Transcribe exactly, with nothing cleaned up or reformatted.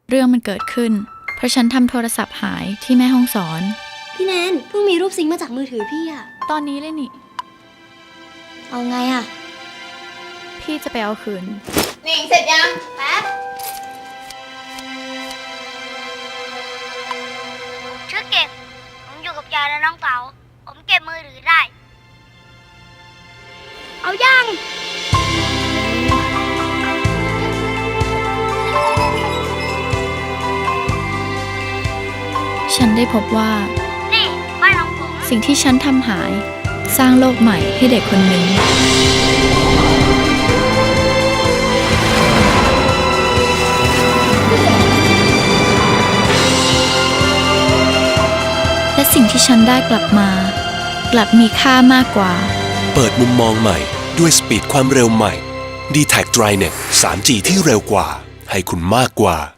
เรื่องมันเกิดขึ้นเพราะฉันทำโทรศัพท์หายที่แม่ห้องสอนพี่แนนเพิ่งมีรูปซิงค์มาจากมือถือพี่อะตอนนี้เลยนี่เอาไงอะพี่จะไปเอาคืนนิ่งเสร็จยังแป๊บชื่อเก็บผมอยู่กับยายและน้องเต๋าผมเก็บมือถือได้เอายังฉันได้พบว่านี่บ้านของผมสิ่งที่ฉันทำหายสร้างโลกใหม่ให้เด็กคนหนึ่งและสิ่งที่ฉันได้กลับมากลับมีค่ามากกว่าเปิดมุมมองใหม่ด้วยสปีดความเร็วใหม่ ดี แท็ก ไดรเน็ต ทรี จี ที่เร็วกว่าให้คุณมากกว่า